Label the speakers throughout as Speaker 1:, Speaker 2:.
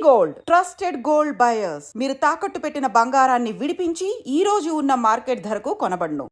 Speaker 1: Gold trusted gold buyers. మీరు తాకట్టు పెట్టిన బంగారాన్ని విడిపించి ఈ రోజు ఉన్న మార్కెట్ ధరకు కొనబడును.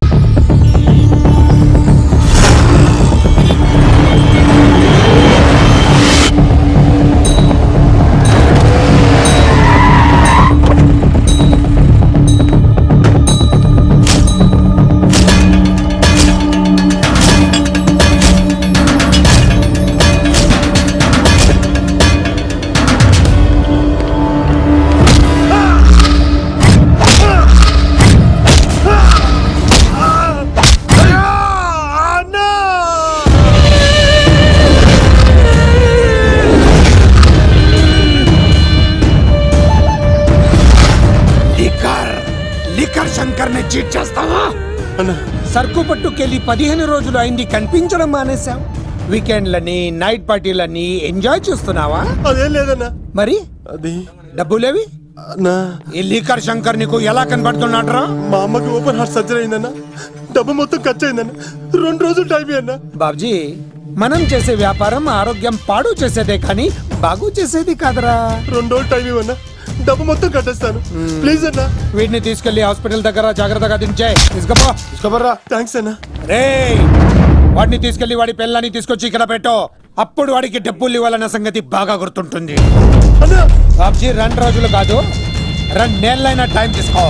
Speaker 2: శంకర్ని చీట్ చేస్తావా? సరుకు పట్టుకెళ్ళి 15 రోజులు అయింది, కనిపించడం మానేశాం. వీకెండ్లని నైట్ పార్టీలని ఎంజాయ్ చేస్తున్నావా?
Speaker 3: అదేం లేదన్నా.
Speaker 2: మరి
Speaker 3: అది
Speaker 2: డబ్బులేవి? ఈ లీకర్ శంకర్ నీకు ఎలా కనబడుతున్నాడ్రా?
Speaker 3: మా అమ్మకి ఓపెన్ హార్ట్ సర్జరీ అయిందన్నా. డబ్బు మొత్తం ఖర్చు అయిందన్నా. 2 రోజులు టైం అన్నా.
Speaker 2: బాబ్జీ, మనం చేసే వ్యాపారం ఆరోగ్యం పాడు చేసేదే కానీ బాగు చేసేది కాదరా.
Speaker 3: 2 రోజులు టైం ఇవ్వన్నా, డబ్బు మొత్తం కట్టేస్తాను. ప్లీజ్ అన్నా.
Speaker 2: వీటిని తీసుకెళ్లి హాస్పిటల్ దగ్గర జాగ్రత్తగా దించే.
Speaker 3: తీసుకోబర్రా. థ్యాంక్స్ అన్నా.
Speaker 2: రే, వాడిని తీసుకెళ్లి వాడి పిల్లని తీసుకొచ్చి ఇక్కడ పెట్టు. అప్పుడు వాడికి డబ్బులు ఇవ్వాలన్న సంగతి బాగా గుర్తుంటుంది. బాబ్జీ, 2 రోజులు కాదు, 2 నెలలైనా టైం తీసుకో.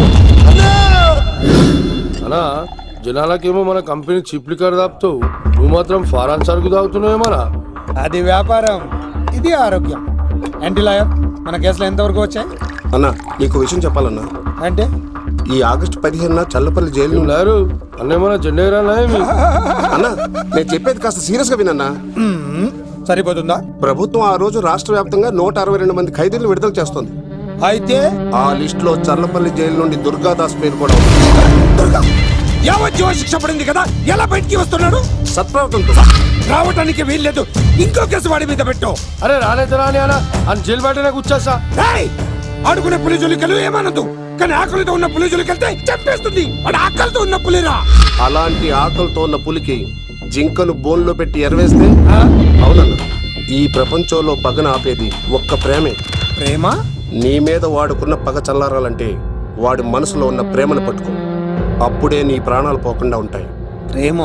Speaker 4: అన్నా, జనాలకేమో మన కంపెనీ చిప్ లిక్కర్ తాపుతావు, నువ్వు మాత్రం ఫారాన్ సరుకు తాగుతున్నావేమన్నా?
Speaker 2: అది వ్యాపారం, ఇది ఆరోగ్యం. ఏంటి లాయర్, మన కేసులో ఎంతవరకు వచ్చాయి?
Speaker 5: అన్నా, నీకు విషయం చెప్పాలన్నా.
Speaker 2: అంటే
Speaker 5: ఈ ఆగస్టు 15న చల్లపల్లి జైలు
Speaker 4: లేరు అన్నేమన్నా జెండేరానా?
Speaker 5: అన్నా, నేను చెప్పేది కాస్త సీరియస్ గా వినన్నా.
Speaker 2: సరిపోతుందా?
Speaker 5: ప్రభుత్వం ఆ రోజు రాష్ట్ర వ్యాప్తంగా 162 మంది ఖైదీలను విడుదల చేస్తుంది.
Speaker 2: అయితే
Speaker 5: ఆ లిస్ట్ లో చల్లపల్లి జైలు నుండి దుర్గాదాస్ పేరు కూడా ఉంది.
Speaker 2: యావజ్జీవ శిక్ష పడింది కదా, ఎలా బయటికి వస్తున్నాడు?
Speaker 5: సత్ప్రవర్తనతో
Speaker 2: రావటానికి వీల్లేదు. ఇంకో కేసు వాడి మీద పెట్టు.
Speaker 4: అరే రాలేదు రాని అన్న అని జైలు బయటనే కూర్చోసా.
Speaker 2: ఆడుకునే పులిజులికలు ఏమనదు, కానీ ఆకలితో ఉన్న పులిజులికెళ్తే చంపేస్తుంది. వాడు ఆకలితో ఉన్న పులిరా.
Speaker 5: అలాంటి ఆకలితో ఉన్న పులికి జింకను బోన్లో పెట్టి ఎరవేస్తే అవునన్నా, ఈ ప్రపంచంలో పగన ఆపేది ఒక్క ప్రేమే.
Speaker 2: ప్రేమ?
Speaker 5: నీ మీద వాడుకున్న పగ చల్లారాలంటే వాడి మనసులో ఉన్న ప్రేమను పట్టుకో. అప్పుడే నీ ప్రాణాలు పోకుండా ఉంటాయి.
Speaker 2: ప్రేమ?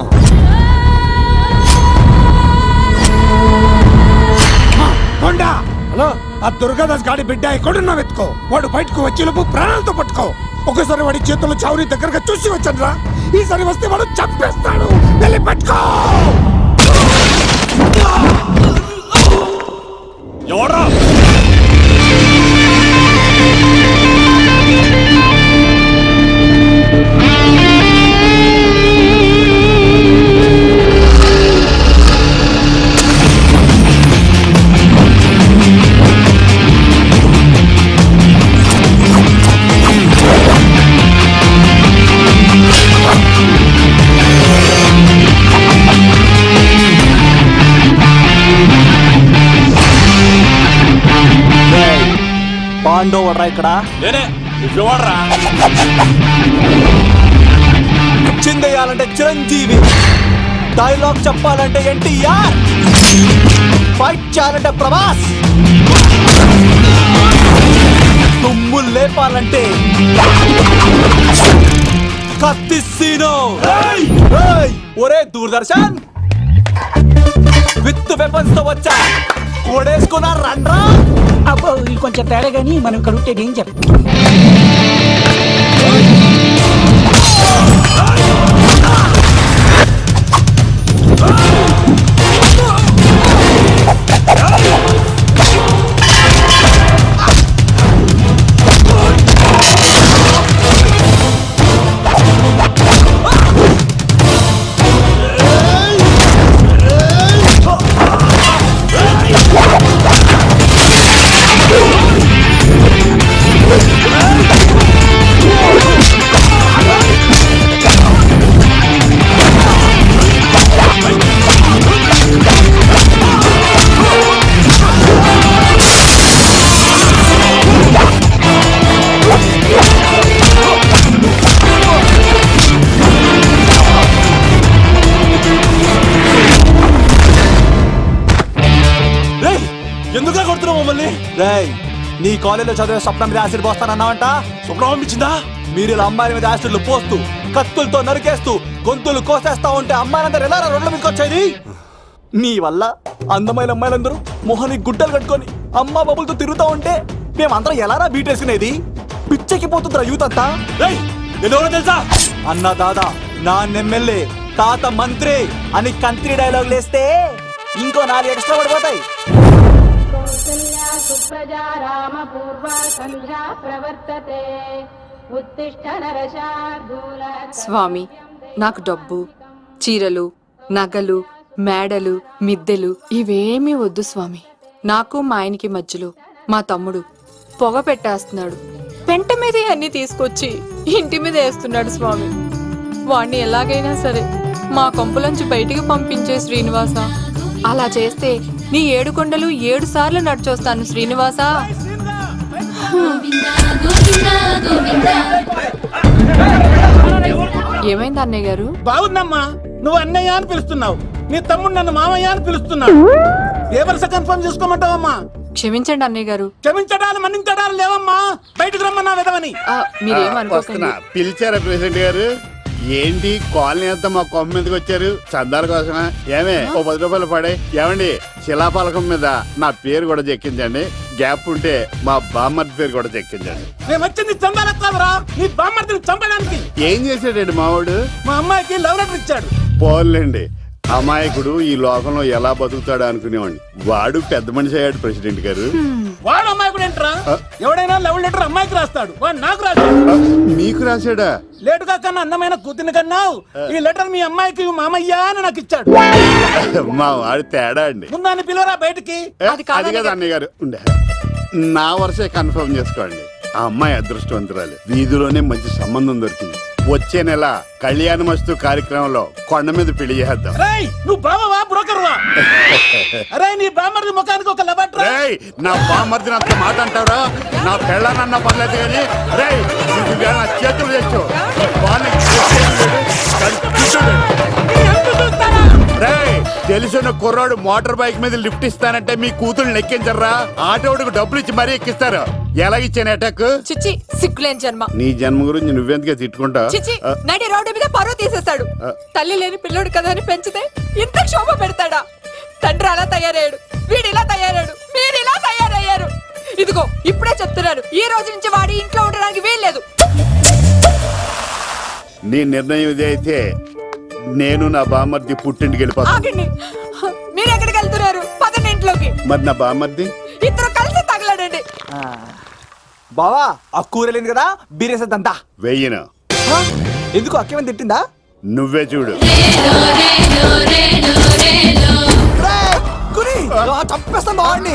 Speaker 2: కొండా, హలో, ఆ దుర్గాదాస్ గాడి బిడ్డ ఎక్కడున్నా వెతుకో. వాడు బయటకు వచ్చేలోపు ప్రాణాలతో పట్టుకో. ఒకసారి వాడి చేతుల్లో చౌరీ దగ్గరగా చూసి వచ్చానురా. ఈసారి వస్తే వాడు చంపేస్తాడు. వెళ్ళి పట్టుకో. ఎవరా?
Speaker 6: పాండో వడ్రా ఇక్కడ చిందేయాలంటే చిరంజీవి, డైలాగ్ చెప్పాలంటే ఎన్టీఆర్, ఫైట్ చేయాలంటే ప్రభాస్, తుమ్ము లేపాలంటే కత్తిసీనో. ఒరే దూరదర్శన్, విత్ వెపన్స్ తో వచ్చా, ఓడేసుకున్నా రండ్రా.
Speaker 7: అబ్బో, ఇది కొంచెం తేడా కానీ మనం ఇక్కడ ఉంటే డేంజర్.
Speaker 6: ఎందుకు కొడుతున్నావు మమ్మల్ని? రేయ్, నీ కాలేజీలో చదివే స్వప్నం మీద యాసిడ్ పోస్తానన్నావంట.
Speaker 3: స్వప్నం పంపించిందా?
Speaker 6: మీరు ఇలా అమ్మాయిల మీద యాసిడ్లు పోస్తూ కత్తులతో నరికేస్తూ గొంతులు కోసేస్తా ఉంటే అమ్మాయిలందరూ ఎలా రోడ్ల మీదకి వచ్చేది? మీ వల్ల అందమైన అమ్మాయిలందరూ మొహానికి గుడ్డలు కట్టుకొని అమ్మా బాబులతో తిరుగుతా ఉంటే మేమందరం ఎలారా బీటేసుకునేది? పిచ్చెక్కి పోతుందిరా యూత్ అంతా.
Speaker 3: రేయ్, నేను ఎవరో తెలుసా?
Speaker 6: అన్న దాదా, నా ఎమ్మెల్యే, తాత మంత్రి అని కంత్రి డైలాగ్ లేస్తే ఇంకో 4 ఎక్స్ట్రా పడిపోతాయి.
Speaker 8: కౌసల్యా సుప్రజా రామ పూర్వా సంధ్యా ప్రవర్తతే ఉత్తిష్ట నరశార్దూల.
Speaker 9: స్వామి, నాకు డబ్బు, చీరలు, నగలు, మేడలు, మిద్దెలు ఇవేమీ వద్దు స్వామి. నాకు మా ఆయనకి మధ్యలో మా తమ్ముడు పొగ పెట్టేస్తున్నాడు. పెంట మీద అన్ని తీసుకొచ్చి ఇంటి మీద వేస్తున్నాడు స్వామి. వాణ్ణి ఎలాగైనా సరే మా కొంపులోంచి బయటికి పంపించే శ్రీనివాస. అలా చేస్తే నీ 7 కొండలు 7 సార్లు నడిచొస్తాను శ్రీనివాస. ఏమైంది అన్నయ్య గారు?
Speaker 7: బాగుందమ్మా, నువ్వు అన్నయ్య అని పిలుస్తున్నావు, నీ తమ్ముడు నన్ను మామయ్య అని పిలుస్తున్నాడు. ఏ వరుస కన్ఫర్మ్ చేసుకోమంటావమ్మా?
Speaker 9: క్షమించండి అన్నయ్య గారు.
Speaker 7: క్షమించడాలు మన్నించడాలు లేవమ్మా, బయటకు రమ్మన్నా విధవని.
Speaker 9: మీరేమనుకోకండి.
Speaker 10: పిలిచారా ప్రెసిడెంట్ గారు? ఏంటి కాలనీ అంతా మా కొమ్మ మీదకి వచ్చారు? చందాల కోసమా? ఏమే ఓ 10 రూపాయలు పడే. ఏమండి, శిలాపాలకం మీద నా పేరు కూడా చెక్కించండి. గ్యాప్ ఉంటే మా బామ్మర్ది పేరు కూడా చెక్కించండి.
Speaker 7: మేము వచ్చింది చందాలెత్తావరా, నీ బామ్మర్దిని చంపడానికి.
Speaker 10: ఏం చేశాడండి మావాడు?
Speaker 7: మా అమ్మాయికి లవ్ లెటర్ ఇచ్చాడు.
Speaker 10: పోన్లేండి, అమాయకుడు ఈ లోకంలో ఎలా బతుకుతాడు అనుకునేవాడిని. వాడు పెద్ద మనిషి అయ్యాడు ప్రెసిడెంట్ గారు.
Speaker 7: వాడు అమ్మాయికుడు ఏంట్రా? ఎవడైనా లవ్ లెటర్ అమ్మాయికి రాస్తాడు, వాడు నాకు రాశాడు.
Speaker 10: మీకు రాశాడా?
Speaker 7: లేటుగా కన్నా అందమైన కూతుని కన్నావు. ఈ లెటర్ మీ అమ్మాయికి మామయ్య అని నాకు ఇచ్చాడు.
Speaker 10: మా వాడు తేడా అండి.
Speaker 7: ముందాన్ని పిలవరా బయటికి.
Speaker 10: అది కదా అన్నయ్య గారు. ఉండే నా వరుసే కన్ఫర్మ్ చేసుకోండి. ఆ అమ్మాయి అదృష్టవంతురాలు. వీధిలోనే మంచి సంబంధం దొరికింది. వచ్చే నెల కళ్యాణమస్తు కార్యక్రమంలో కొండ మీద పెళ్లి చేద్దాం.
Speaker 7: నువ్వు బావవా బ్రోకర్వా? అరే, నీ బామ్మర్ది ముఖానికి ఒక లెటర్.
Speaker 10: నా బామ్మర్దిని అంత మాట అంటారా? నా పెళ్ళనన్నా పర్లేదు కానీ నా చేతులు తెచ్చు. తెలిసిన కుర్రాడు మోటార్ బైక్ మీద లిఫ్ట్ ఇస్తానంటే మీ కూతురు ఎక్కించరా? ఆటోడికి డబ్బులు ఇచ్చి మరీ ఎక్కిస్తారు. ఎలాగిచ్చాను అటాక్?
Speaker 9: చిచ్చి, సిగ్గులేని జన్మ.
Speaker 10: నీ జన్మ గురించి నువ్వెందుకే తిట్టుకుంటా?
Speaker 9: చిచ్చి, నడి రోడ్డు మీద పరువు తీసేస్తాడు. తల్లి లేని పిల్లోడు కదా అని పెంచితే ఇంత క్షోభ పెడతాడా? తండ్రి అలా తయారయ్యాడు, వీడు ఇలా తయారయ్యాడు, మీరు ఇలా తయారయ్యారు. ఇదిగో ఇప్పుడే చెప్తున్నాను, ఈ రోజు నుంచి వాడి ఇంట్లో ఉండడానికి వీల్లేదు.
Speaker 10: నీ నిర్ణయం ఇదే అయితే నేను నా బామ్మర్ది పుట్టింటికి వెళ్ళిపోతాను.
Speaker 9: ఆగండి, మీరు ఎక్కడికి వెళ్తున్నారు? పదండి ఇంట్లోకి.
Speaker 10: మరి నా బామ్మర్ది?
Speaker 9: ఇద్దరు కలిసి తగలడండి.
Speaker 6: బావా, ఆ కూరలేను కదా, బీరేసేద్దంతా.
Speaker 10: వెయ్యను.
Speaker 6: ఎందుకు అక్కేమని తిట్టిందా?
Speaker 10: నువ్వే చూడు.
Speaker 6: చంపేస్తాను బావాడిని.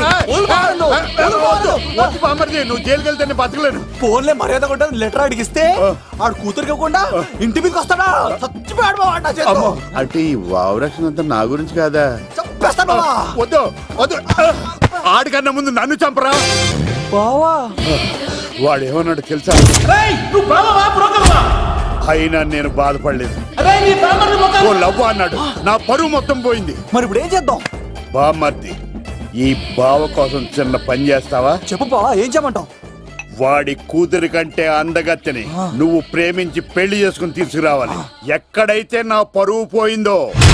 Speaker 10: నువ్వు జైలుకి వెళ్తే బతకలేను.
Speaker 6: ఫోన్లే మర్యాద కూడా లెటర్ అడిగిస్తే ఆడు కూతురికి ఇవ్వకుండా ఇంటి మీదకి వస్తాడా? చచ్చిపోయాడు బావా.
Speaker 10: అంటే ఈ వావరక్షణ అంతా నా గురించి కాదా?
Speaker 6: చంపేస్తాను బావా.
Speaker 10: వద్దు వద్దు, ఆడికన్నా ముందు నన్ను చంపరా
Speaker 6: బావా.
Speaker 10: వాడు ఏమన్నాడు తెలుసా?
Speaker 7: నువ్వు బావవా బ్రోకర్వా?
Speaker 10: అయినా నేను బాధపడలేదు.
Speaker 7: అరే, నీ బామ్మర్ది ముఖానికి
Speaker 10: ఓ లవ్వు అన్నాడు, నా పరువు మొత్తం పోయింది.
Speaker 6: మరి ఇప్పుడు ఏం చేద్దాం?
Speaker 10: బామ్మర్ది, ఈ బావ కోసం చిన్న పని చేస్తావా?
Speaker 6: చెప్పు బావా, ఏం చేయమంటావు?
Speaker 10: వాడి కూతురి కంటే అందగత్తెని నువ్వు ప్రేమించి పెళ్లి చేసుకుని తీసుకురావాలి. ఎక్కడైతే నా పరువు పోయిందో,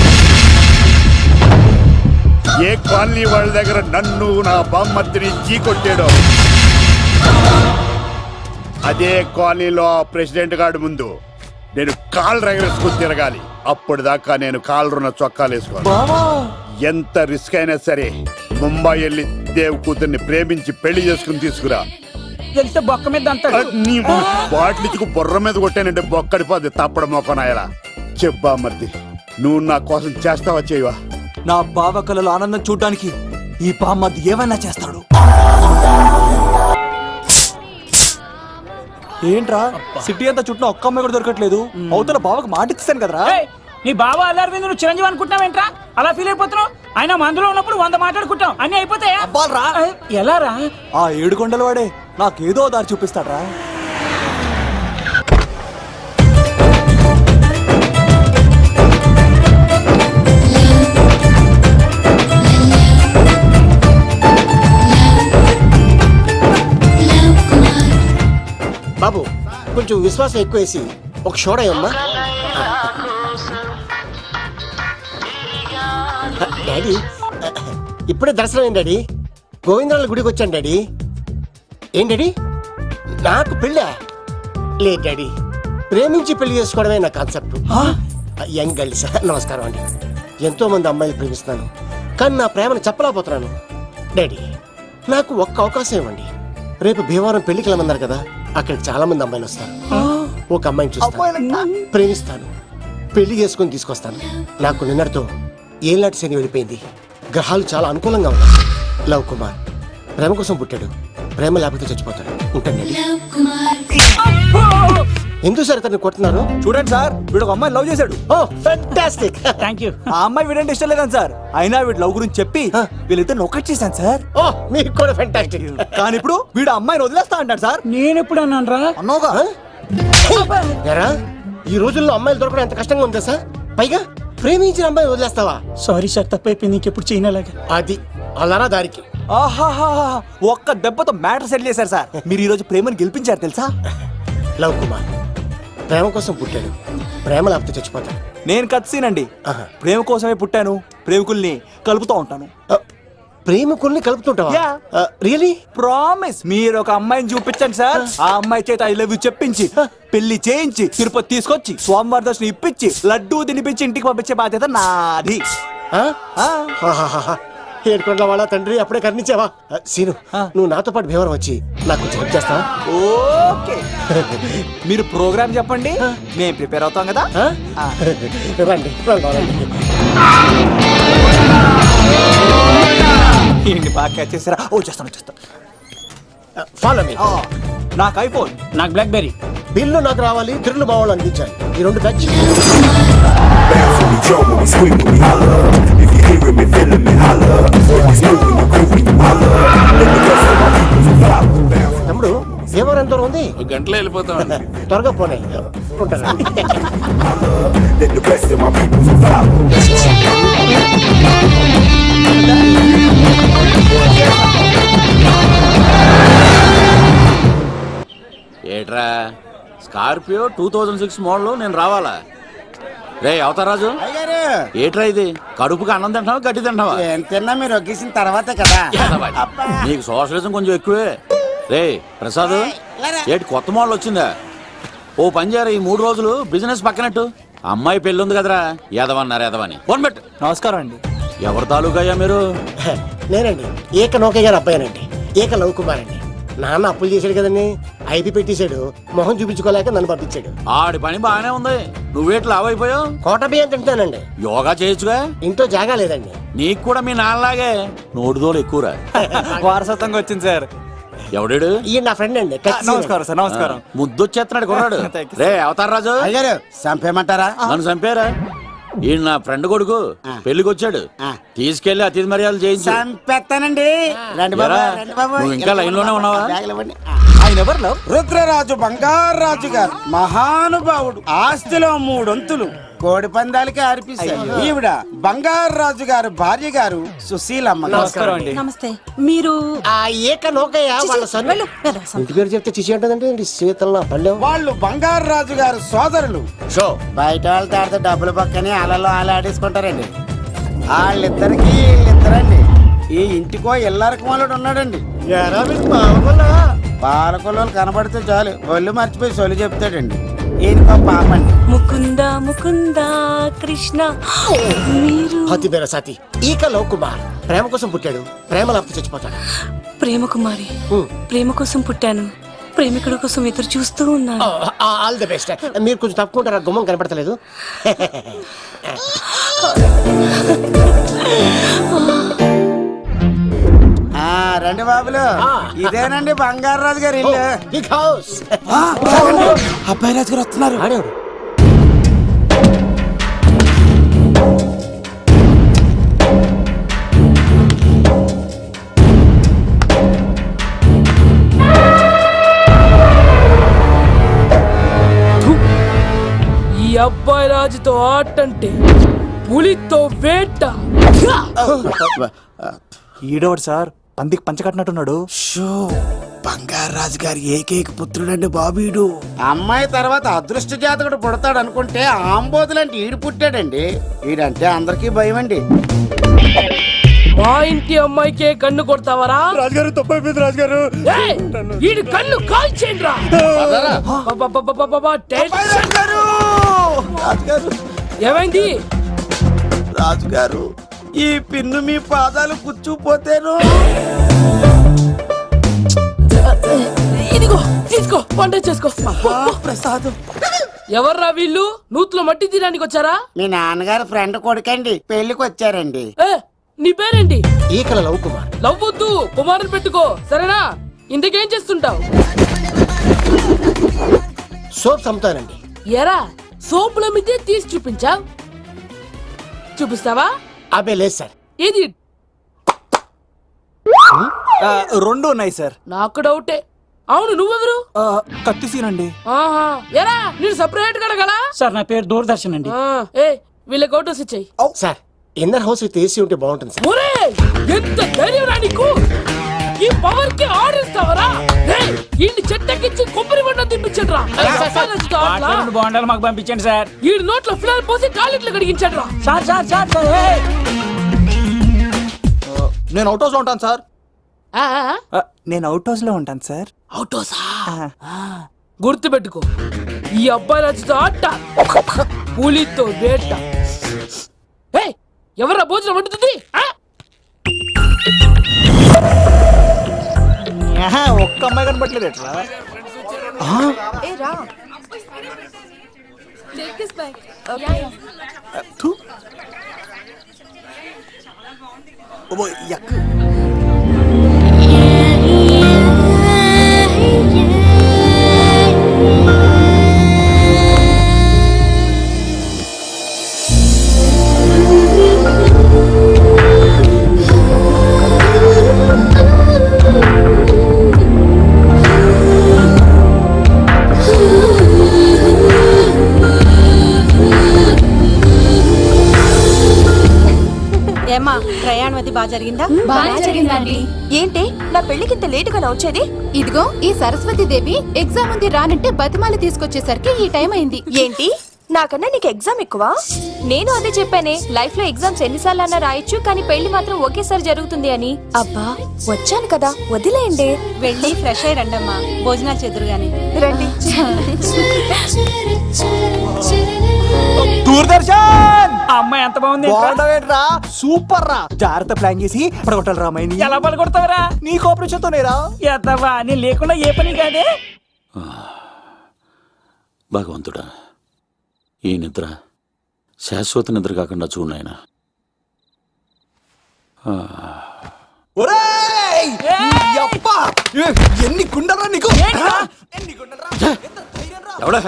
Speaker 10: ఏ కాలనీ వాళ్ళ దగ్గర నన్ను నా బామ్మర్దిని చీకొట్టాడో, అదే కాలనీలో ఆ ప్రెసిడెంట్ గారి ముందు నేను కాళ్ళు రగరేసుకుని తిరగాలి. అప్పుడు దాకా నేను కాళ్ళున్న చొక్కాలు వేసుకోను. ఎంత రిస్క్ అయినా సరే ముంబై వెళ్ళి దేవ్ కూతుర్ని ప్రేమించి పెళ్లి చేసుకుని తీసుకురా.
Speaker 7: తెలిస్తే బొక్క మీద అంటాడు.
Speaker 10: నీ బాటిలిచ్చుకు బుర్ర మీద కొట్టానంటే బొక్కడిపోద్ది తప్పడం మొక్కనాయలా. చెప్పా మర్ది, నువ్వు నా కోసం చేస్తావా చేయవా?
Speaker 6: నా బావ కళలో ఆనందం చూడడానికి ఈ బామ్మది ఏమైనా చేస్తాడు. ఏంట్రా, సిటీ అంతా చుట్టూ ఒక్క అమ్మాయి కూడా దొరకట్లేదు. అవతల బావకు మాట ఇస్తాను కదరా.
Speaker 7: నీ బావ అల్లరి మీద నువ్వు చిరంజీవి అనుకుంటున్నావేంట్రా? అలా ఫీల్ అయిపోతున్నావు? ఆయన మందులో ఉన్నప్పుడు 100 మాట్లాడుకుంటాం, అన్ని అయిపోతాయా?
Speaker 6: అబ్బాల్రా.
Speaker 7: ఎలా రా?
Speaker 6: ఆ 7 కొండల వాడే నాకేదో దారి చూపిస్తాడ్రా.
Speaker 11: కొంచెం విశ్వాసం ఎక్కువేసి ఒక షోడయమ్మా. డాడీ ఇప్పుడే దర్శనం అయింది డాడీ. గోవిందరాల గుడికి వచ్చాను డాడీ. ఏం డాడీ నాకు పెళ్ళా? లేదు డాడీ, ప్రేమించి పెళ్లి చేసుకోవడమే నా కాన్సెప్ట్. యంగ్ గర్ల్స్ నమస్కారం అండి. ఎంతో మంది అమ్మాయిలు ప్రేమిస్తున్నాను, కానీ నా ప్రేమను చెప్పలేకపోతున్నాను. డాడీ నాకు ఒక్క అవకాశం ఇవ్వండి. రేపు భీమవరం పెళ్లికి వెళ్ళమన్నారు కదా, అక్కడికి చాలా మంది అమ్మాయిలు వస్తారు. ఒక అమ్మాయిని చూస్తాను, ప్రేమిస్తాను, పెళ్లి చేసుకుని తీసుకొస్తాను. నాకు నిన్నటితో ఏళ్ళనాటి శని వెళ్ళిపోయింది. గ్రహాలు చాలా అనుకూలంగా ఉన్నాయి. లవ్ కుమార్ ప్రేమ కోసం పుట్టాడు, ప్రేమ లేకపోతే చచ్చిపోతాడు. ఉంటానండి. ఎందుకు సార్ ఇతన్ని కొడుతున్నారు?
Speaker 6: చూడండి సార్, వీడు ఒక అమ్మాయి లవ్ చేశాడు.
Speaker 11: Oh fantastic.
Speaker 7: Thank you.
Speaker 6: ఆ అమ్మాయి వీడంటే ఇష్టం లేదని సార్, అయినా వీడు లవ్ గురించి చెప్పి వీళ్ళిద్దరు ఒకటి చేశాను సార్.
Speaker 11: ఓ మీకు కూడా ఫెంటాస్టిక్.
Speaker 6: కానీ ఇప్పుడు వీడు ఆ అమ్మాయిని వదిలేస్తా అంటాడు సార్.
Speaker 7: నేను ఎప్పుడు అన్నాను రా?
Speaker 6: అన్నోగా
Speaker 11: ఎరా ఈ రోజుల్లో అమ్మాయిలు దొరకడం ఎంత కష్టంగా ఉందా సార్? పైగా ప్రేమించిన అమ్మాయి వదిలేస్తావా?
Speaker 7: సారీ సార్, తప్పైపోయింది. ఇంకెప్పుడు చేయనలాగా.
Speaker 11: అది అలారా దారికి.
Speaker 6: ఆహాహా, ఒక్క దెబ్బతో మ్యాటర్ సెటిల్ చేశారు సార్. మీరు ఈ రోజు ప్రేమను గెలిపించారు తెలుసా?
Speaker 11: లవ్ కుమార్ ప్రేమ కోసం పుట్టాడు, ప్రేమ లేకపోతే చచ్చిపోతాడు.
Speaker 6: నేను కత్సీనండి.
Speaker 11: ఆహా.
Speaker 6: ప్రేమ కోసమే పుట్టాను, ప్రేమికుల్ని కలుపుతూ ఉంటాను.
Speaker 11: ప్రేమికుల్ని కలుపుతుంటావా?
Speaker 6: Yeah.
Speaker 11: రియలీ?
Speaker 6: ప్రామిస్. మీరు ఒక అమ్మాయిని చూపించండి సార్, ఆ అమ్మాయి చేత ఐ లవ్ యూ చెప్పించి పెళ్లి చేయించి తిరుపతి తీసుకొచ్చి స్వామివారి దర్శనం ఇప్పించి లడ్డూ తినిపించి ఇంటికి పంపించే బాధ్యత నాది.
Speaker 11: ఏడుకొండల వాళ్ళ తండ్రి అప్పుడే కర్ణించావా? సీను నువ్వు నాతో పాటు భీమవరం వచ్చి నాకు కొంచెం హెల్ప్ చేస్తావా?
Speaker 6: ఓకే. మీరు ప్రోగ్రామ్ చెప్పండి, మేము ప్రిపేర్ అవుతాం కదా.
Speaker 11: రండి రండి.
Speaker 6: ఏంటి బాగా క్యాచ్ చేస్తారా? ఓ చేస్తాను.
Speaker 11: Follow me.
Speaker 6: నాకు ఐఫోన్,
Speaker 7: నాకు బ్లాక్ బెర్రీ.
Speaker 11: బిల్లు నాకు రావాలి, తిరులు మా వాళ్ళు అందించాలి. ఈ రెండు ఖర్చు. తమ్ముడు భీమవరం ఎంత దూరం ఉంది?
Speaker 4: గంటలో వెళ్ళిపోతాం.
Speaker 11: త్వరగా పోనీ. ఉంటాను.
Speaker 12: ఏట్రా స్కార్పియో 2006 మోడల్ నేను రావాలా? రే అవతారాజు, ఏట్రా ఇది? కడుపుకి అన్నం తింటావా గడ్డి తింటావా?
Speaker 7: తిన్నా మీరు ఒగ్గేసిన తర్వాతే కదా.
Speaker 12: నీకు సోషలిజం కొంచెం ఎక్కువే. రే ప్రసాద్, ఏటి కొత్త మోడల్ వచ్చిందా? ఓ పని చేయరా, ఈ 3 రోజులు బిజినెస్ పక్కనట్టు. అమ్మాయి పెళ్ళి ఉంది కదరా, ఎదవన్నారు ఎదవని. ఫోన్ పెట్టు.
Speaker 6: నమస్కారం అండి.
Speaker 12: ఎవరి తాలూకయ్యా మీరు?
Speaker 11: నేనండి ఏక నౌకయ్య గారు అబ్బాయినండి. ఏక లవ్ కుమార్ అండి. నాన్న అప్పులు చేశాడు కదండి, ఐపీ పెట్టేశాడు. మొహం చూపించుకోలేక నన్ను పంపించాడు.
Speaker 12: ఆడి పని బాగానే ఉంది, నువ్వేట్లు లావైపోయావు?
Speaker 11: కోట బియ్యం తింటానండి.
Speaker 12: యోగా చేయొచ్చుగా?
Speaker 11: ఇంట్లో జాగా లేదండి.
Speaker 12: నీకు కూడా మీ నాన్నలాగే నోటిదోలు ఎక్కువరా.
Speaker 6: వారసత్వంగా వచ్చింది సార్.
Speaker 12: ఎవడాడు?
Speaker 11: ఈయన నా ఫ్రెండ్ అండి.
Speaker 6: నమస్కారం సార్. నమస్కారం.
Speaker 12: ముద్దొచ్చేస్తున్నాడు కొన్నాడు. రే అవతార్ రాజు,
Speaker 7: అయ్యారు చంపేయమంటారా?
Speaker 12: నన్ను చంపారా? ఈయన నా ఫ్రెండ్ కొడుకు, పెళ్లికి వచ్చాడు. తీసుకెళ్లి అతిథి మర్యాదలు చేయించు.
Speaker 7: చంపేస్తానండి. రండి బాబు, రండి బాబు.
Speaker 12: నువ్వు ఇంకా లైన్ లోనే ఉన్నావా?
Speaker 6: ఆయన ఎవరు లవ్?
Speaker 7: రుద్రరాజు బంగారాజు గారు మహానుభావుడు. ఆస్తిలో 3 వంతులు కోడి పందాలకి అర్పిస్తారు. ఈవిడ బంగారాజు గారు భార్య గారు సుశీలమ్మ.
Speaker 6: నమస్కారం అండి.
Speaker 8: నమస్తే. మీరు
Speaker 11: ఆ ఏక నౌకయ్య వాళ్ళ సన్. ఇంటి పేరు చెప్తే చిచి అంటుందంటే శీతల పల్లె.
Speaker 7: వాళ్ళు బంగారాజు గారు సోదరులు.
Speaker 11: షో
Speaker 7: బయట వాళ్ళతో ఆడితే డబ్బులు పక్కనే అలలో అలా ఆడేసుకుంటారండి. వాళ్ళిద్దరికి వీళ్ళిద్దరండి. ఈ ఇంటికో ఇల్లరకం వాళ్ళడు ఉన్నాడండి. పాలకొల్లు కనబడితే చాలు ఒళ్ళు మర్చిపోయి సొలి చెప్తాడండి. ఈయనకో పాపండి.
Speaker 8: ముకుంద ముకుంద కృష్ణ. మీరు
Speaker 11: హతి పేర సాతి ఈక లవ్ కుమార్ ప్రేమ కోసం పుట్టాడు, ప్రేమ లేకపోతే చచ్చిపోతాడు.
Speaker 8: ప్రేమ కుమారి. ప్రేమ కోసం పుట్టాను, ప్రేమికుడు కోసం ఎదురు చూస్తూ ఉన్నాను.
Speaker 11: All the best. మీరు కొంచెం తప్పుకుంటారా? గుమ్మం కనపడతలేదు.
Speaker 7: రండి బాబులు, ఇదేనండి బంగారాజు గారి ఇల్లు.
Speaker 11: Big house.
Speaker 7: అబ్బాయి రాజు గారు వస్తున్నారు.
Speaker 11: ఆడేవాడు
Speaker 9: ఈ అబ్బాయి రాజుతో ఆటంటే పులితో వేట.
Speaker 6: ఈడవాడు సార్, పందికి పంచకట్టినట్టున్నాడు.
Speaker 7: షో బంగారు రాజు గారి ఏకైక పుత్రుడండి బాబీడు. అమ్మాయి తర్వాత అదృష్ట జాతకుడు పుడతాడు అనుకుంటే ఆంబోతులంటే ఈడు పుట్టాడండి. ఈడంటే అందరికీ భయం అండి.
Speaker 8: మా ఇంటి అమ్మాయికే కన్ను కొడతావరా?
Speaker 3: రాజుగారు తప్పైపోయింది రాజుగారు.
Speaker 8: వీడి కన్ను కాల్చేయండిరా.
Speaker 7: రాజుగారు
Speaker 8: ఏమైంది?
Speaker 7: రాజుగారు ఈ పిన్ను మీ పాదాలు కూర్చుపోతేను.
Speaker 8: ఇదిగో తీసుకో, వంట చేసుకో.
Speaker 7: ప్రసాదం.
Speaker 8: ఎవర్రా వీళ్ళు? నూతులో మట్టి తీయడానికి వచ్చారా?
Speaker 7: మీ నాన్నగారు ఫ్రెండ్ కొడుకండి, పెళ్లికి వచ్చారండి.
Speaker 8: నీ పేరేంటి?
Speaker 11: ఈకల లవ్ కుమార్.
Speaker 8: లవ్వొద్దు, కుమారుని పెట్టుకో, సరేనా? ఇంతకేం చేస్తుంటావు?
Speaker 11: సోప్స్ అమ్ముతానండి.
Speaker 8: ఎరా సోపుల మీద తీసి చూపించావు, చూపిస్తావా?
Speaker 11: అబ్బే లేదు సార్.
Speaker 8: ఏది?
Speaker 6: రెండు ఉన్నాయి సార్.
Speaker 8: నాకు డౌటే. అవును, నువ్వెవరు?
Speaker 6: కత్తి సీనండి.
Speaker 8: ఆహా, ఎరా నేను సపరేట్ కడగలా?
Speaker 6: సార్ నా పేరు దూరదర్శన్ అండి.
Speaker 8: ఏ వీళ్ళకి అవుటోస్ ఇచ్చాయి.
Speaker 11: Sir inner house with AC ఉంటే బాగుంటుంది సార్.
Speaker 8: ఒరే ఎంత ధైర్యం రా నీకు! ఈ పవర్ కి ఆర్డర్ ఇస్తావరా? ఈ చెట్టెక్కించి కొబ్బరి బండ తిప్పించండి రా.
Speaker 6: బాండాలు మాకు పంపించండి సార్.
Speaker 8: ఈ నోట్లో ఫినాల్ పోసి టాయిలెట్లు కడిగించండి రా.
Speaker 6: సార్ సార్ సార్ సార్ నేను అవుట్ హౌస్ లో ఉంటాను సార్. నేను అవుట్ హౌస్ లో ఉంటాను సార్.
Speaker 8: అవుటోసా? గుర్తు పెట్టుకో, ఈ అబ్బాయి రాజుతో ఆట, పులితో వేట. ఎవరా భోజనం వండుతుంది?
Speaker 6: ఒక్క అమ్మాయి కనబట్లేదు ఎట్లా?
Speaker 9: ఏమా ప్రయాణం అది బాగా జరిగిందా?
Speaker 13: బాగా జరిగిందండి. ఏంటి నా పెళ్లికి ఇంత లేటుగా వచ్చేది? ఇదిగో ఈ సరస్వతి దేవి ఎగ్జామ్ ఉంది రానంటే బతిమాలి తీసుకొచ్చేసరికి ఈ టైం అయింది. ఏంటి నాకన్నా నీకు ఎగ్జామ్ ఎక్కువ? నేను అదే చెప్పానే, లైఫ్ లో ఎగ్జామ్స్ ఎన్నిసార్లు అన్నా రాయొచ్చు, కానీ పెళ్లి మాత్రం ఒకేసారి జరుగుతుంది అని. అబ్బా వచ్చాను కదా, వదిలేయండి.
Speaker 9: వెళ్ళి ఫ్రెష్ అయ్యి రండమ్మా, భోజనాలు చెదురు గాని.
Speaker 13: రండి.
Speaker 6: దూరదర్శన్ అమ్మాయి ఎంత బాగుంది. సూపర్ రా. జాగ్రత్త ప్లాన్ చేసి పడగొట్టాలి రామాయణి. ఎలా పడగొడతావరా? నీ కోపరేషన్తోనేరా? ఎత్తవా నేను లేకుండా ఏ పని కాదే.
Speaker 12: భగవంతుడా, ఈ నిద్ర శాశ్వత నిద్ర కాకుండా చూడాయన.
Speaker 6: ఎన్ని గుండెలరా నీకు?
Speaker 12: ఎవడా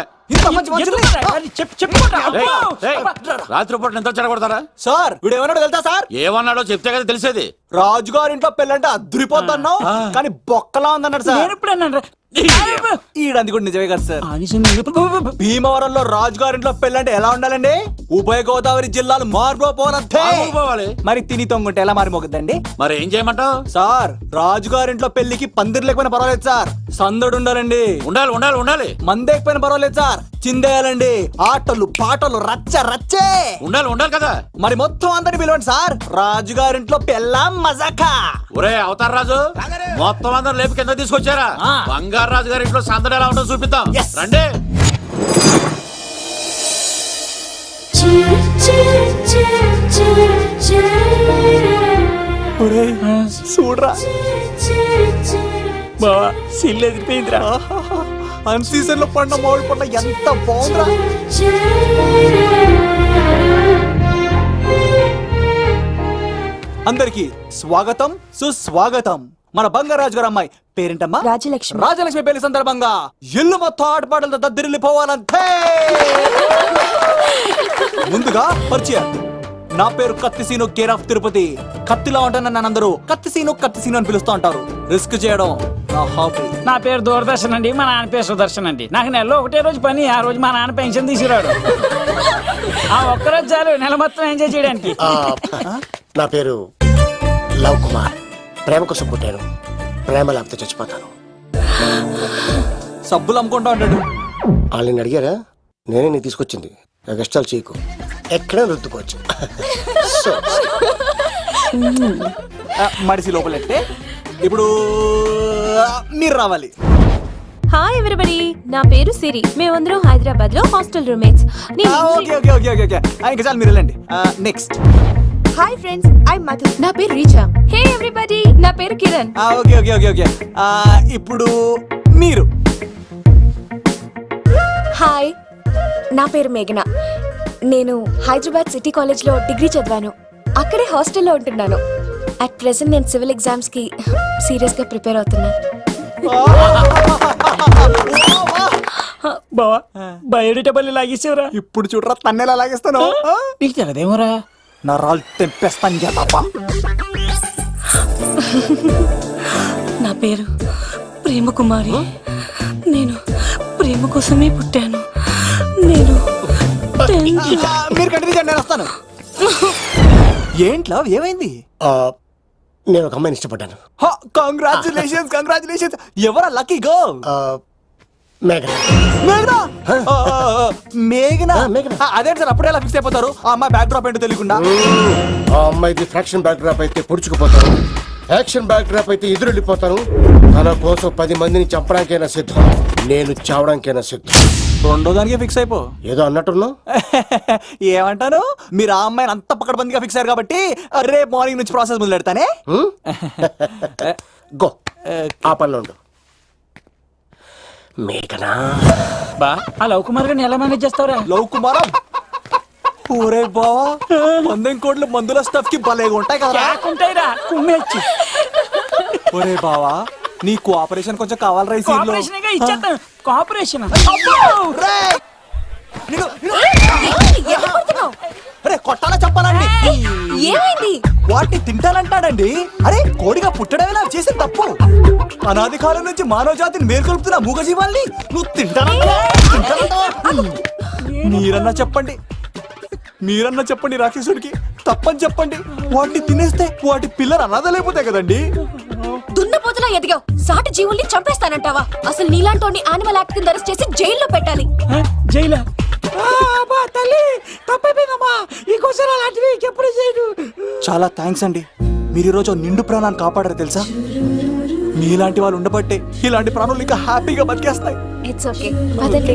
Speaker 12: రాత్రిపూట నిద్ర చెడగొడతారా?
Speaker 6: సార్ వీడు ఏమన్నాడు వెళ్తా సార్?
Speaker 12: ఏమన్నాడో చెప్తే కదా తెలిసేది.
Speaker 6: రాజుగారి ఇంట్లో పెళ్ళంటే అద్దరిపోతున్నావు, కానీ బొక్కలా ఉందన్నాడు సార్. ఈడంది కూడా నిజమే కదా సార్. భీమవరంలో రాజుగారింట్లో పెళ్ళంటే ఎలా ఉండాలండి? ఉభయ గోదావరి జిల్లాలు మారిపోవాలి. మరి తిని తొంగుంటే ఎలా మారిపోతుందండి?
Speaker 12: మరి ఏం చేయమంటావు?
Speaker 6: సార్ రాజుగారింట్లో పెళ్లికి పందిరి లేకపోయినా పర్వాలేదు సార్, సందడు ఉండాలండి.
Speaker 12: ఉండాలి ఉండాలి ఉండాలి.
Speaker 6: మందేకపోయినా పర్వాలేదు సార్, చిందేయాలండి. ఆటలు పాటలు రచ్చ రచ్చే
Speaker 12: ఉండాలి ఉండాలి కదా.
Speaker 6: మరి మొత్తం అందరిని పిలవండి సార్, రాజుగారింట్లో పెళ్ళాం మజాకా.
Speaker 12: ఒరే అవతార్ రాజు, మొత్తం అందరూ లేపు కింద తీసుకొచ్చారా? బంగారు రాజు గారి ఇంట్లో సందడి ఎలా ఉంటుందో చూపిద్దాం రండి.
Speaker 6: చూడరా బావా, సిల్ ఎదిరిపోయిందిరా. అన్ సీజన్ లో పడిన మామిడి పండ్ల ఎంత బాగుందిరా. అందరికి స్వాగతం సుస్వాగతం. మన బంగారాజు గారు అమ్మాయి పేరేంటమ్మా?
Speaker 13: రాజలక్ష్మి.
Speaker 6: రాజలక్ష్మి పెళ్లి సందర్భంగా ఇల్లు మొత్తం ఆటపాటలతో దద్దరిల్లిపోవాలంతే. ముందుగా పరిచయం, నా పేరు కత్తిసీను, కేర్ ఆఫ్ తిరుపతి. కత్తిలా ఉంటాను నన్ను అందరూ కత్తిసీను కత్తిసీను అని పిలుస్తూ ఉంటారు. రిస్క్ చేయడం నా హాబీ.
Speaker 14: నా పేరు దూరదర్శన్ అండి, మా నాన్న పేరు సుదర్శన్ అండి. నాకు నెలలో ఒకటే రోజు పని, ఆ రోజు మా నాన్న పెన్షన్ తీసుకురాడు. ఆ ఒక్కరోజు చాలు నెల మొత్తం ఎంజాయ్ చేయడానికి.
Speaker 11: నా పేరు లవ్ కుమార్. ప్రేమ కోసం పుట్టాను, ప్రేమ లేకపోతే చచ్చిపోతాను.
Speaker 6: సబ్బులు అమ్ముకుంటా ఉంటాడు.
Speaker 11: వాళ్ళని అడిగారా? నేనే నీకు తీసుకొచ్చింది. కష్టాలు చేయకు, ఎక్కడ రుద్దుకోవచ్చు. సో,
Speaker 6: మడిసి లోపలెట్టే ఇప్పుడు మీరు రావాలి.
Speaker 13: హాయ్ ఎవరిబడి, నా పేరు సిరి. మేమందరం హైదరాబాద్ లో hostel roommates.
Speaker 6: Okay okay okay okay okay ఇంకా చాలు, మీరు వెళ్ళండి. Next.
Speaker 13: Hi friends, I Madhu. నా పేరు రీచా. హే ఎవ్రీబడి, నా పేరు Kiran.
Speaker 6: Okay okay okay okay ఇప్పుడు మీరు.
Speaker 13: హాయ్, నా పేరు మేఘన. నేను హైదరాబాద్ సిటీ కాలేజ్ లో డిగ్రీ చదివాను. అక్కడే హాస్టల్లో ఉంటున్నాను. అట్ ప్రెసెంట్ నేను సివిల్ ఎగ్జామ్స్ కి సీరియస్ గా ప్రిపేర్ అవుతున్నా.
Speaker 14: బావా బయోడేటా బల్లి లాగేసేవరా.
Speaker 6: ఇప్పుడు చూడరా తన్నెలా లాగేస్తాను.
Speaker 14: నీకు తెలదేమోరా.
Speaker 6: నా రాళ్ళు తెంపేస్తాను చేతప్ప.
Speaker 8: నా పేరు ప్రేమ కుమారి. నేను ప్రేమ కోసమే పుట్టాను. నేను
Speaker 6: మీరు కంటిన్యూ చేయండి, నేను వస్తాను. ఏంట్లో ఏమైంది?
Speaker 11: నేను ఒక అమ్మాయిని ఇష్టపడ్డాను.
Speaker 6: Congratulations congratulations. ఎవరా లక్కీ గర్ల్?
Speaker 11: మేఘన.
Speaker 6: మేఘనా? మేఘనా?
Speaker 11: మేఘన.
Speaker 6: అదే సార్, అప్పుడే ఎలా ఫిక్స్ అయిపోతారు? ఆ అమ్మాయి బ్యాక్ డ్రాప్ ఏంటో తెలియకుండా.
Speaker 11: ఆ అమ్మాయిది ఫ్రాక్షన్ బ్యాక్ డ్రాప్ అయితే పొడుచుకుపోతాను, యాక్షన్ బ్యాక్ డ్రాప్ అయితే ఎదురెళ్ళిపోతాను. తన కోసం 10 మందిని చంపడానికైనా సిద్ధం, నేను చావడానికైనా సిద్ధం.
Speaker 6: రెండో దానికే ఫిక్స్ అయిపో.
Speaker 11: ఏదో అన్నట్టున్నావు.
Speaker 6: ఏమంటాను, మీరు ఆ అమ్మాయిని అంత పక్కడబందిగా ఫిక్స్ అయ్యారు కాబట్టి రేపు మార్నింగ్ నుంచి ప్రాసెస్ మొదలు పెడతానే.
Speaker 11: గో, ఆ పనిలో ఉండు. మేఘనా.
Speaker 14: బా ఆ లవ్ కుమార్ గారిని ఎలా మేనేజ్ చేస్తావురా?
Speaker 6: లవ్ కుమారం. ఊరే బావా, 100 కోట్ల మందుల స్టఫ్ కి భలేగా ఉంటాయి కదా.
Speaker 14: ఉంటాయిరా కుమ్మేచ్చి.
Speaker 6: ఒరే బావా, నీ కోఆపరేషన్ కొంచెం కావాలి రైస్.
Speaker 14: కోఆపరేషన్ గా ఇచ్చేస్తాను. కోఆపరేషన్
Speaker 6: అరే కొట్టాలా చెప్పాలండి?
Speaker 13: ఏమైంది?
Speaker 6: వాటిని తింటానంటాడండి. అరే కోడిగా పుట్టడమే నాకు చేసిన తప్పు. అనాది కాలం నుంచి మానవ జాతిని మేల్కొల్పుతున్న మూగజీవాల్ని నువ్వు తింటానంటా? మీరన్నా చెప్పండి, మీరన్నా చెప్పండి రాక్షసుడికి. తప్పని చెప్పండి. వాటిని తినేస్తే వాటి పిల్లలు అనాథలైపోతాయి కదండి.
Speaker 13: దున్నపోతులా ఎదిగావు, సాటి జీవుల్ని చంపేస్తానంటావా? అసలు నీలాంటి యానిమల్ యాక్ట్ కింద అరెస్ట్ చేసి జైల్లో పెట్టాలి.
Speaker 14: జైలా? తల్లి తప్పైపోయిందమ్మా, ఇంకోసారి అలాంటివి ఎప్పుడు చేయడు.
Speaker 6: చాలా థ్యాంక్స్ అండి, మీరు ఈరోజు నిండు ప్రాణాన్ని కాపాడారు తెలుసా. మీలాంటి వాళ్ళు ఉండబట్టే ఇలాంటి ప్రాణులు ఇంకా హ్యాపీగా బతికేస్తాయి.
Speaker 13: ఇట్స్ ఓకే, పదండి.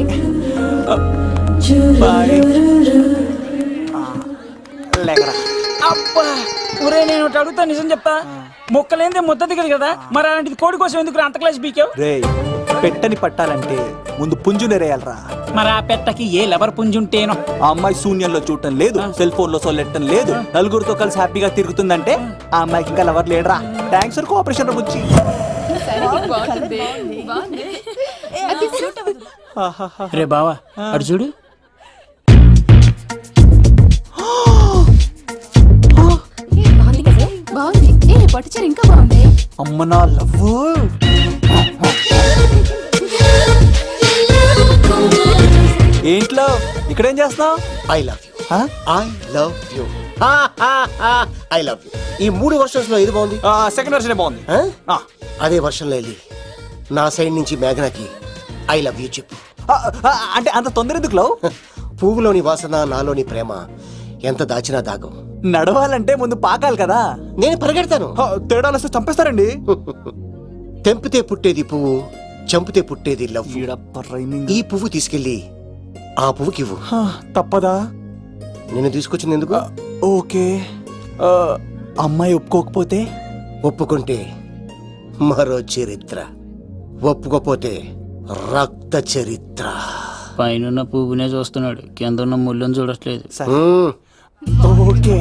Speaker 6: లేకరా.
Speaker 14: అబ్బా ఒరే, నేను ఒకటి అడుగుతా, నిజం చెప్తా. మొక్కలేందే ముద్ద దిగదు కదా, మరి అలాంటిది కోడి కోసం ఎందుకు అంత క్లాస్ బీకావు?
Speaker 6: రే, పెట్టని పట్టాలంటే ముందు పుంజు నెరేయాలరా.
Speaker 14: మరి ఆ పెట్టకి ఏ లవర్ పుంజుంటేనో.
Speaker 6: ఆ అమ్మాయి శూన్యంలో చూడటం లేదు, సెల్ ఫోన్ లో సొల్లెట్టడం లేదు, నలుగురితో కలిసి హ్యాపీగా తిరుగుతుందంటే ఆ అమ్మాయికి ఇంకా లవర్ లేడరా. థ్యాంక్స్ ఫర్ కోఆపరేషన్ గురించి.
Speaker 14: రే బావా అడు చూడు.
Speaker 13: బాగుంది. పట్టుచారు ఇంకా బాగుంది.
Speaker 6: అమ్మ నా లవ్. ఏంట్లో ఇక్కడేం చేస్తున్నావు?
Speaker 11: I love you. I love you. I love you. ఈ 3 వర్షన్స్ లో ఏది బాగుంది?
Speaker 6: సెకండ్ వర్షన్ బాగుంది.
Speaker 11: అదే వర్షంలో వెళ్ళి నా సైడ్ నుంచి మేఘనాకి ఐ లవ్ యూ చెప్పు.
Speaker 6: అంటే అంత తొందర ఎందుకు లవ్?
Speaker 11: పువ్వులోని వాసన, నాలోని ప్రేమ ఎంత దాచినా దాగం.
Speaker 6: నడవాలంటే ముందు పాకాలి కదా.
Speaker 11: నేను పరిగెడతాను.
Speaker 6: తేడాలు వస్తే చంపేస్తారండి.
Speaker 11: తెంపితే పుట్టేది పువ్వు, చంపితే పుట్టేది లవ్. ఈ పువ్వు తీసుకెళ్ళి ఆ పువ్వుకి ఇవ్వు.
Speaker 6: తప్పదా?
Speaker 11: నేను తీసుకొచ్చింది ఎందుకు?
Speaker 6: ఓకే. అమ్మాయి ఒప్పుకోకపోతే?
Speaker 11: ఒప్పుకుంటే మరో చరిత్ర, ఒప్పుకోపోతే రక్త చరిత్ర.
Speaker 14: పైన పువ్వునే చూస్తున్నాడు, కింద ఉన్న ముళ్ళని చూడట్లేదు.
Speaker 6: ఓకే.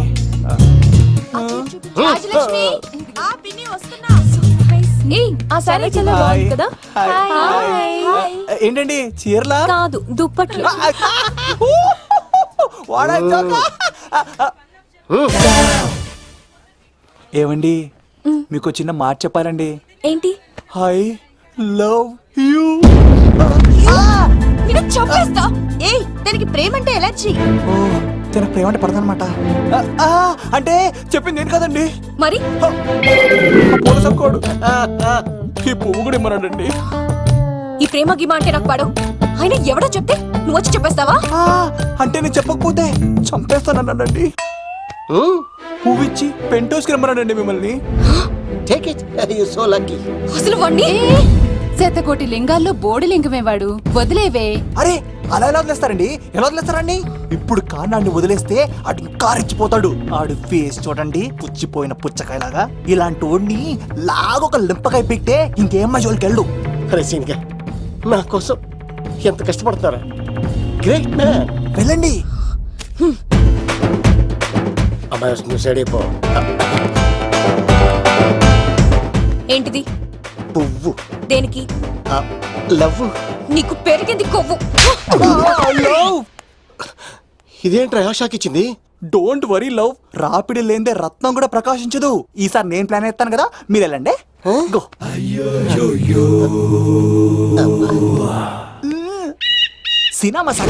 Speaker 13: రాజలక్ష్మి, ఆ పిన్ని వస్తున్నా. ఆ సారీ చాలా బాగుంది కదా.
Speaker 6: ఏంటండి చీరలా?
Speaker 13: కాదు, దుప్పట్లు.
Speaker 6: ఏమండి, మీకు చిన్న మాట చెప్పాలండి.
Speaker 13: ఏంటి?
Speaker 6: I love you.
Speaker 13: నిన్ను చంపేస్తా. ఏయ్, దానికి ప్రేమ అంటే ఎలర్జీ.
Speaker 6: తన ప్రేమ అంటే పడదనమాట. అంటే చెప్పింది నేను కదండి.
Speaker 13: మరి
Speaker 6: పోలసక్కోడు ఈ పువ్వు కూడా ఇమ్మన్నాడండి.
Speaker 13: ఈ ప్రేమ గిమ అంటే నాకు పడవు. అయినా ఎవడో చెప్తే నువ్వు వచ్చి చెప్పేస్తావా?
Speaker 6: అంటే నేను చెప్పకపోతే చంపేస్తానన్నాడండి. పువ్వు ఇచ్చి పెంటోస్కి రమ్మన్నాడండి మిమ్మల్ని.
Speaker 11: Take it, you so lucky.
Speaker 13: అసలు వాణ్ణి
Speaker 9: శతకోటి లింగాల్లో బోడి లింగమేవాడు, వదిలేవే.
Speaker 6: అరే అలా ఎలా వదిలేస్తారండి? ఎలా వదిలేస్తారండి? ఇప్పుడు కాన్నాడిని వదిలేస్తే ఆడు ఇంకా రెచ్చిపోతాడు. ఆడు ఫేస్ చూడండి, పుచ్చిపోయిన పుచ్చకాయలాగా. ఇలాంటి వాడిని లాగొక లింపకాయ పెట్టే ఇంకేం జోలికి వెళ్ళు.
Speaker 11: అరే సీన్గా, నా కోసం ఎంత కష్టపడతారా? Great man.
Speaker 6: వెళ్ళండి.
Speaker 11: అమ్మాయి వస్తుంది, సైడ్ అయిపో.
Speaker 13: ఏంటిది?
Speaker 11: పువ్వు.
Speaker 13: దేనికి?
Speaker 11: లవ్.
Speaker 13: నీకు పెరిగింది కొవ్వు.
Speaker 11: ఇదేంట్రా షాక్ ఇచ్చింది?
Speaker 6: డోంట్ వరీ లవ్, రాపిడి లేదే రత్నం కూడా ప్రకాశించదు. ఈసారి నేను ప్లాన్ ఎత్తాను కదా, మీరు వెళ్ళండి. గో. సినిమా